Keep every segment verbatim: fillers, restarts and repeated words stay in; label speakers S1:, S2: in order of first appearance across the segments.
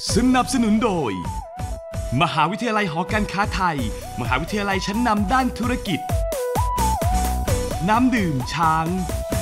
S1: สนับสนุนโดยมหาวิทยาลัยหอการค้าไทยมหาวิทยาลัยชั้นนำด้านธุรกิจน้ำดื่มช้าง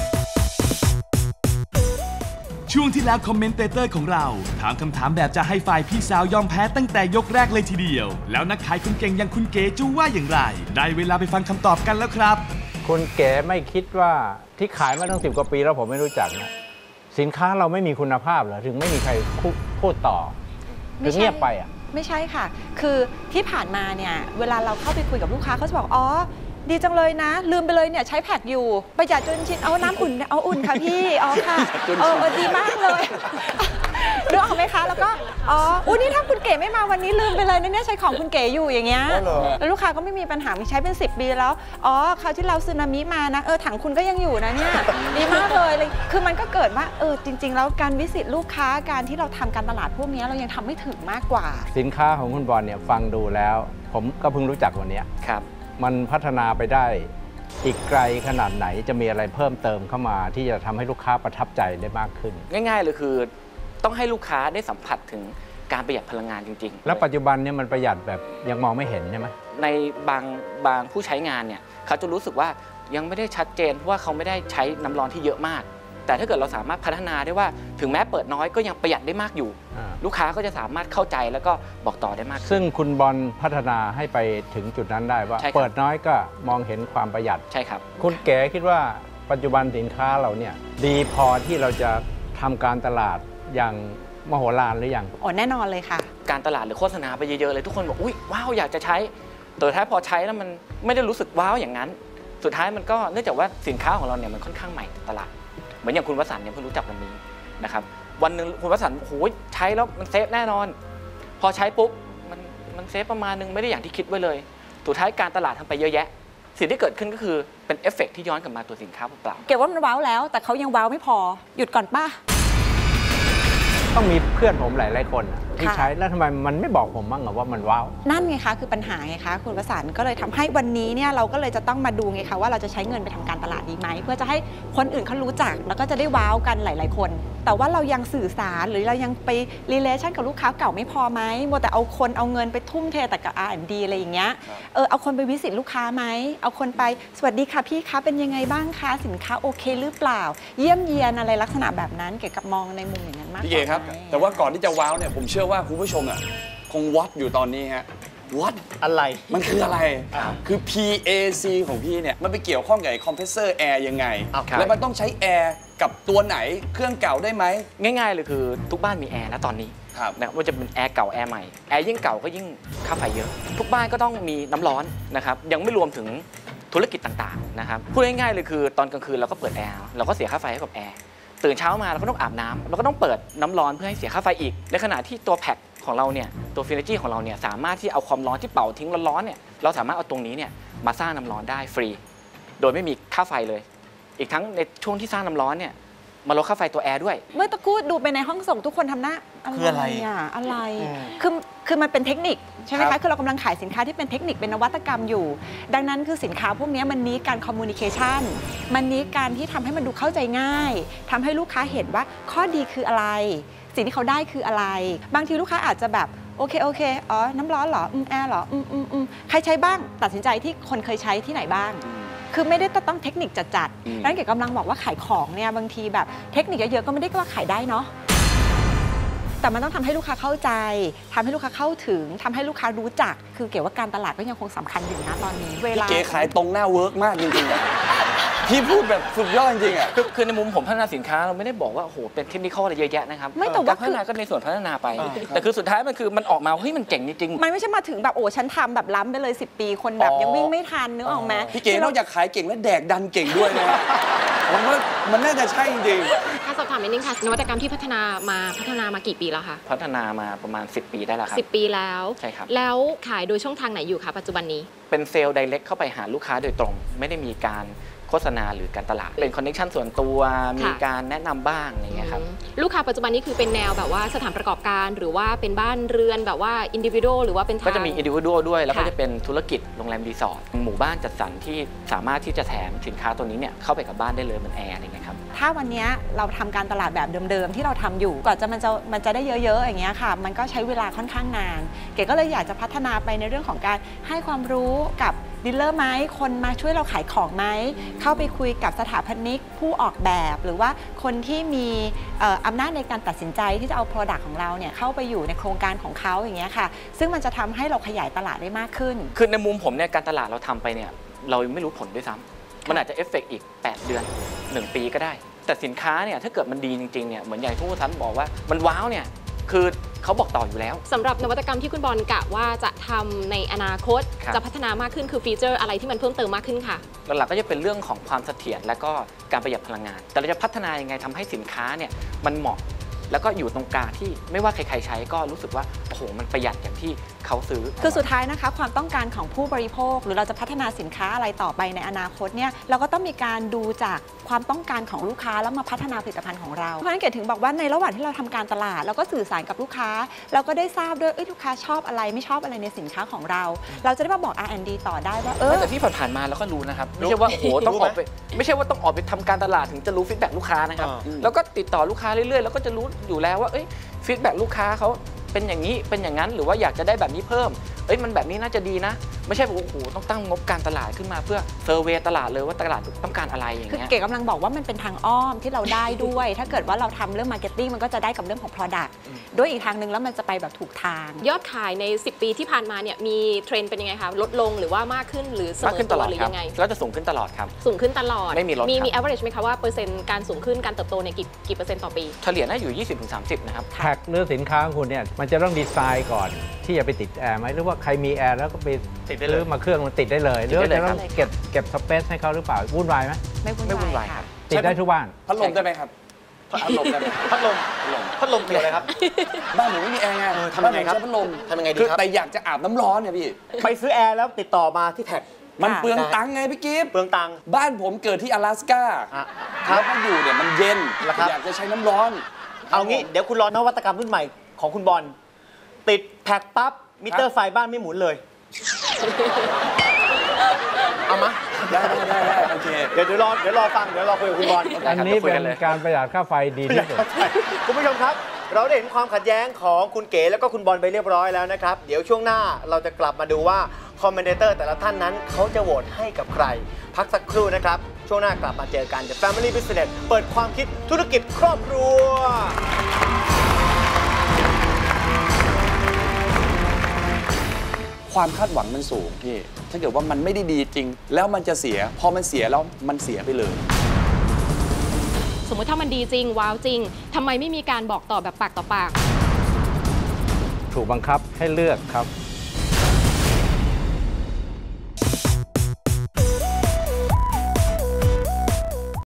S1: ช่วงที่แล้วคอมเมนเตเตอร์ของเราถามคำถามแบบจะให้ฝ่ายพี่สาวยอมแพ้ตั้งแต่ยกแรกเลยทีเดียวแล้วนักขายคนเก่งอย่างคุณเก๋จะว่าอย่างไรได้เวลาไปฟังคำตอบกันแล้วครับ
S2: คุณเก๋ไม่คิดว่าที่ขายมาตั้งสิบกว่าปีแล้วผมไม่รู้จักนะสินค้าเราไม่มีคุณภาพเหรอถึงไม่มีใครพูดต่อถึงเงียบไปอ่ะ
S3: ไม่ใช่ค่ะคือที่ผ่านมาเนี่ยเวลาเราเข้าไปคุยกับลูกค้าเขาจะบอกอ๋อดีจังเลยนะลืมไปเลยเนี่ยใช้แพ็คอยู่ประหยัดจนชินเอาน้ำอุ่นเอาอุ่นค่ะพี่อ๋อค่ะเออดีมากเลยดูออกไหมคะแล้วก็อ๋ออุ้ยนี่ถ้าคุณเก๋ไม่มาวันนี้ลืมไปเลยนะเนี่ยใช้ของคุณเก๋อยู่อย่างเงี้ยแล้วลูกค้าก็ไม่มีปัญหาใช้เป็นสิบปีแล้วอ๋อคราวที่เราซึนามิมานะเออถังคุณก็ยังอยู่นะเนี่ยดีมากเลยเลยคือมันก็เกิดว่าเออจริงๆแล้วการวิสิตลูกค้าการที่เราทำการตลาดพวกนี้เรายังทำไม่ถึงมากกว่า
S2: สินค้าของคุณบอลเนี่ยฟังดูแล้วผมก็เพิ่งรู้จักวันนี้
S4: ครับ
S2: มันพัฒนาไปได้อีกไกลขนาดไหนจะมีอะไรเพิ่มเติมเข้ามาที่จะทำให้ลูกค้าประทับใจได้มากขึ้น
S4: ง่ายๆเลยคือต้องให้ลูกค้าได้สัมผัสถึงการประหยัดพลังงานจริง
S2: ๆแล้วปัจจุบันเนี่ยมันประหยัดแบบยังมองไม่เห็นใช่ไหม
S4: ในบางบางผู้ใช้งานเนี่ยเขาจะรู้สึกว่ายังไม่ได้ชัดเจนเพราะว่าเขาไม่ได้ใช้น้ำร้อนที่เยอะมากแต่ถ้าเกิดเราสามารถพัฒนาได้ว่าถึงแม้เปิดน้อยก็ยังประหยัดได้มากอยู่ลูกค้าก็จะสามารถเข้าใจแล้วก็บอกต่อได้มาก
S2: ซึ่งคุณบอลพัฒนาให้ไปถึงจุดนั้นได้ว่าเปิดน้อยก็มองเห็นความประหยัด
S4: ใช่ครับ
S2: คุณเก๋คิดว่าปัจจุบันสินค้าเราเนี่ยดีพอที่เราจะทำการตลาดอย่างมโหฬารหรือยัง
S3: อ๋อแน่นอนเลยค่ะ
S4: การตลาดหรือโฆษณาไปเยอะๆเลยทุกคนบอกอุ้ยว้าวอยากจะใช้แต่ท้ายพอใช้แล้วมันไม่ได้รู้สึกว้าวอย่างนั้นสุดท้ายมันก็เนื่องจากว่าสินค้าของเราเนี่ยมันค่อนข้างใหม่ตลาดเหมือนอย่างคุณวสันต์เนี่ยเพิ่งรู้จักวันนี้นะครับวันหนึ่งคุณวสันต์โอ้ยใช้แล้วมันเซฟแน่นอนพอใช้ปุ๊บมันมันเซฟประมาณนึงไม่ได้อย่างที่คิดไว้เลยสุดท้ายการตลาดทำไปเยอะแยะสิ่งที่เกิดขึ้นก็คือเป็นเอฟเฟกต์ที่ย้อนกลับมาตัวสินค้าเปล่า
S3: เก็บว่ามันว้าวแล้วแต่เขายังว้าวไม่พอหยุดก่อนป้า
S2: ต้องมีเพื่อนผมหลายๆคนที่ใช้แล้วทำไมมันไม่บอกผมบ้างว่ามันว้าว
S3: นั่นไงคะคือปัญหาไงคะคุณวสันต์ก็เลยทำให้วันนี้เนี่ยเราก็เลยจะต้องมาดูไงคะว่าเราจะใช้เงินไปทำการตลาดดีไหมเพื่อจะให้คนอื่นเขารู้จักแล้วก็จะได้ว้าวกันหลายๆคนแต่ว่าเรายังสื่อสารหรือเรายังไปรีเลชั่นกับลูกค้าเก่าไม่พอไหมมัวแต่เอาคนเอาเงินไปทุ่มเทแต่กับ อาร์ แอนด์ ดี อะไรอย่างเงี้ยเออเอาคนไปวิสิตลูกค้าไหมเอาคนไปสวัสดีค่ะพี่คะเป็นยังไงบ้างคะสินค้าโอเคหรือเปล่าเยี่ยมเยียนอะไรลักษณะแบบนั้นเกี่ยวกับมองในมุมอย่างนั้นมาก
S5: พี่เก๋ครับแต่ว่าก่อนที่จะว้าวเนี่ยผมเชื่อว่าคุณผู้ชมอ่ะคงวัดอยู่ตอนนี้ฮะวัด
S4: อะไร
S5: มันคืออะไรคือ พี เอ ซี ของพี่เนี่ยมันไปเกี่ยวข้องกับคอมเพรสเซอร์แอร์ยังไงแล้วมันต้องใช้แอร์กับตัวไหนเครื่องเก่าได้ไหม
S4: ง่ายๆเลยคือทุกบ้านมีแอร์นะตอนนี้นะว่าจะเป็นแอร์เก่าแอร์ใหม่แอร์ยิ่งเก่าก็ยิ่งค่าไฟเยอะทุกบ้านก็ต้องมีน้ำร้อนนะครับยังไม่รวมถึงธุรกิจต่างๆนะครับพูดง่ายๆเลยคือตอนกลางคืนเราก็เปิดแอร์เราก็เสียค่าไฟให้กับแอร์ตื่นเช้ามาเราก็ต้องอาบน้ำเราก็ต้องเปิดน้ำร้อนเพื่อให้เสียค่าไฟอีกในขณะที่ตัวแพ็คของเราเนี่ยตัวฟินเนจี้ของเราเนี่ยสามารถที่เอาความร้อนที่เป่าทิ้งร้อนๆเนี่ยเราสามารถเอาตรงนี้เนี่ยมาสร้างน้ำร้อนได้ฟรีโดยไม่มีค่าไฟเลยอีกทั้งในช่วงที่สร้างน้ำร้อนเนี่ยมาลดค่าไฟตัวแอร์ด้วย
S3: เมื่อตะกู้ดูไปในห้องส่งทุกคนทำหน้าอะไรอ่ะอะไรคือคือมันเป็นเทคนิคใช่ไหมคะคือเรากำลังขายสินค้าที่เป็นเทคนิคเป็นนวัตกรรมอยู่ดังนั้นคือสินค้าพวกนี้มันนี้การคอมมูนิเคชันมันนี้การที่ทำให้มันดูเข้าใจง่ายทำให้ลูกค้าเห็นว่าข้อดีคืออะไรสิ่งที่เขาได้คืออะไรบางทีลูกค้าอาจจะแบบโอเคโอเคอ๋อน้ำร้อนเหรออืมแอร์เหรออืมอืมอืมใครใช้บ้างตัดสินใจที่คนเคยใช้ที่ไหนบ้างคือไม่ได้ต้องเทคนิคจัดๆนั่นเกี่ยวกับกำลังบอกว่าขายของเนี่ยบางทีแบบเทคนิคเยอะๆก็ไม่ได้ว่าขายได้เนาะแต่มันต้องทำให้ลูกค้าเข้าใจทำให้ลูกค้าเข้าถึงทำให้ลูกค้ารู้จักคือเกี่ยวกับการตลาดก็ยังคงสำคัญอยู่นะตอนนี้เวลา
S5: เก๋ขายตรงหน้าเวิร์กมากจริงๆพี่พูดแบบสุดยอดจริงๆอ่ะ
S4: คือในมุมผมพัฒนาสินค้าเราไม่ได้บอกว่าโอ้โหเป็นเทคนิคอะไรเยอะแยะนะครับ
S3: ไม่แต่ว่า
S4: พัฒนาก็ในส่วนพัฒนาไปแต่คือสุดท้ายมันคือมันออกมาเฮ้ยมันเจ๋งจริง
S3: ๆมันไม่ใช่มาถึงแบบโอ้ฉันทำแบบล้ำไปเลยสิบปีคนแบบยังวิ่งไม่ทันนึกออกไหม
S5: พี่เก๋นอกจากขายเก่งแล้วแดกดันเก่งด้วยนะผมว่ามันน่าจะใช่จริง
S6: ๆถ้าสอบถามนิดนึงค่ะนวัตกรรมที่พัฒนามาพัฒนามากี่ปีแล้วคะ
S4: พัฒนามาประมาณสิบปีได้แล้วครับ
S6: สิบปีแล้ว
S4: ใช่ครับ
S6: แล้วขายโดยช่องทางไหนอยู่คะปัจจุบันนี้
S4: เป็นเซลล์ไดเรกเข้าไปหาลูกค้าโดยตรงไม่ได้มีการโฆษณาหรือการตลาดเป็นคอนเนคชั่นส่วนตัวมีการแนะนำบ้างอย่างเงี้ยครับ
S6: ลูกค้าปัจจุบันนี้คือเป็นแนวแบบว่าสถานประกอบการหรือว่าเป็นบ้านเรือนแบบว่าอินดิวิ u a l หรือว่าเป็นทาง
S4: ก็จะมีอินดิวิ u a l ด้วยแล้วก็จะเป็นธุรกิจโรงแรมรีสอร์ทหมู่บ้านจัดสรรที่สามารถที่จะแถมสินค้าตัวนี้เนี่ยเข้าไปกับบ้านได้เลยเหมือนแอร์อะไรเงี้ยครับ
S3: ถ้าวันนี้เราทำการตลาดแบบเดิมๆที่เราทำอยู่ก่อนจะมันจะมันจะได้เยอะๆอย่างเงี้ยค่ะมันก็ใช้เวลาค่อนข้างนานเก๋ก็เลยอยากจะพัฒนาไปในเรื่องของการให้ความรู้กับดีลเลอร์ไหมคนมาช่วยเราขายของไหมเข้าไปคุยกับสถาปนิกผู้ออกแบบหรือว่าคนที่มีอำนาจในการตัดสินใจที่จะเอา Product ของเราเนี่ยเข้าไปอยู่ในโครงการของเขาอย่างเงี้ยค่ะซึ่งมันจะทำให้เราขยายตลาดได้มากขึ้น
S4: คือในมุมผมเนี่ยการตลาดเราทำไปเนี่ยเราไม่รู้ผลด้วยซ้ำมันอาจจะเอฟเฟกต์อีกแปดเดือนหนึ่งปีก็ได้แต่สินค้าเนี่ยถ้าเกิดมันดีจริงๆเนี่ยเหมือนอย่างที่ผู้ทันบอกว่ามันว้าวเนี่ยคือเขาบอกต่ออยู่แล้ว
S6: สำหรับนวัตกรรมที่คุณบอลกะว่าจะทำในอนาคตจะพัฒนามากขึ้นคือฟีเจอร์อะไรที่มันเพิ่มเติมมากขึ้นค่ะ
S4: หลักๆก็จะเป็นเรื่องของความเสถียรและก็การประหยัดพลังงานแต่เราจะพัฒนายังไงทำให้สินค้าเนี่ยมันเหมาะแล้วก็อยู่ตรงกลางที่ไม่ว่าใครๆใช้ก็รู้สึกว่าโอ้โหมันประหยัดอย่างที่เขาซื้อ
S3: คือสุดท้ายนะคะความต้องการของผู้บริโภคหรือเราจะพัฒนาสินค้าอะไรต่อไปในอนาคตเนี่ยเราก็ต้องมีการดูจากความต้องการของลูกค้าแล้วมาพัฒนาผลิตภัณฑ์ของเราเพราะฉะนั้นเก๋ถึงบอกว่าในระหว่างที่เราทำการตลาดเราก็สื่อสารกับลูกค้าเราก็ได้ทราบด้วยเอ้ยลูกค้าชอบอะไรไม่ชอบอะไรในสินค้าของเราเราจะได้มาบอก อาร์ แอนด์ ดี ต่อได้ว่าเออ
S4: แต่ที่ผ่านๆมาเราก็รู้นะครับไม่ใช่ว่าโอ้โหต้องออกไปไม่ใช่ว่าต้องออกไปทำการตลาดถึงจะรู้ฟีดแบ็กลูกค้านะครับแล้วก็ติดต่อลูกค้าเรื่อยๆแล้วก็จะรู้อยู่แล้วว่าเอ้ยฟีดแบ็กลูกค้าเขาเป็นอย่างนี้เป็นอย่างนั้นหรือว่าอยากจะได้แบบนี้เพิ่มเอ้ยมันแบบนี้น่าจะดีนะไม่ใช่โอ้โหต้องตั้งงบการตลาดขึ้นมาเพื่อเซอร์เวย์ตลาดเลยว่าตลาดต้องการอะไรอย่างเงี้ย
S3: คือเก๋กำลังบอกว่ามันเป็นทางอ้อมที่เราได้ด้วย ถ้าเกิดว่าเราทำเรื่องมาร์เก็ตติ้งมันก็จะได้กับเรื่องของ Product ด้วยอีกทางนึงแล้วมันจะไปแบบถูกทาง
S6: ยอดขายในสิบปีที่ผ่านมาเนี่ยมีเทรนด์เป็นยังไงคะลดลงหรือว่ามากขึ้นหรือเสมอตัวหรือยังไง
S4: ก็จะสูงขึ้นตลอดครับ
S6: สูงขึ้นตลอด
S4: ไม่มีลด
S6: มีมี average ไหมคะว่าเปอร์เซ็นต์การสูงขึ้นการเติบโตเนี่ยกี่กี่เปอร์เซ็นต์ต่อปี
S4: เฉลี่ยน่าอยู่ ยี่สิบถึงสามสิบ นะครับ
S2: แท็กเรื่องสินค้าของคุณเนี่ยมันจะต้องดีไซน์ก่อนที่จะไปติดแอร์ไหมหรือว่าใครมีแอร์แล้วก็ไป
S4: ติดได้เลย
S2: มาเครื่องมันติดได้เลยหรือจะต้องเก็บเก็บสเปซให้เขาหรือเปล่าวุ่นวายไหม
S3: ไม่วุ่นวายครับ
S2: ติดได้ทุกบ้าน
S5: พัดลมได้ไหมครับพัดลมได้ไหม
S7: พัดลมพัดลมเกี่ยวอะไรครับ
S5: บ้านหนูไม่มีแอร์ไง
S7: ทำยังไงครับ
S5: พัดลม
S7: ทำยังไงดีครับ
S5: แต่อยากจะอาบน้ำร้อนเนี่ยพี่
S7: ไปซื้อแอร์แล้วติดต่อมาที่แท็ก
S5: มันเปลืองตังค์ไงพี่กิฟต์
S7: เปลืองตังค์
S5: บ้านผมเกิดที่阿拉斯ก้าแล้วก็อยู่เนี่ยมันเย็นอยากจะใช้น้ำร้อน
S7: เอางี้เดี๋ยวคุณรอนวัตกรรมรุ่นใหม่ของคุณบอลติดแท็กปั๊บมิเตอร์ไฟบ้านไม่หมุนเลยเอามา
S5: ได้ได้ได้โอเค
S7: เดี๋ยวเดี๋ยวรอเดี๋ยวรอฟังเดี๋ยวรอคุยกับคุณบอล
S2: อันนี้เป็นการประหยัดค่าไฟดีที่สุด
S7: คุณผู้ชมครับเราได้เห็นความขัดแย้งของคุณเก๋แล้วก็คุณบอลไปเรียบร้อยแล้วนะครับเดี๋ยวช่วงหน้าเราจะกลับมาดูว่าคอมเมนเตอร์แต่ละท่านนั้นเขาจะโหวตให้กับใครพักสักครู่นะครับช่วงหน้ากลับมาเจอกัน The Family Business เปิดความคิดธุรกิจครอบครัว
S5: ความคาดหวังมันสูงพี่ถ้าเกิดว่ามันไม่ได้ดีจริงแล้วมันจะเสียพอมันเสียแล้วมันเสียไปเลย
S6: สมมติถ้ามันดีจริงว้าวจริงทำไมไม่มีการบอกต่อแบบปากต่อปาก
S2: ถูกบังคับให้เลือกครับ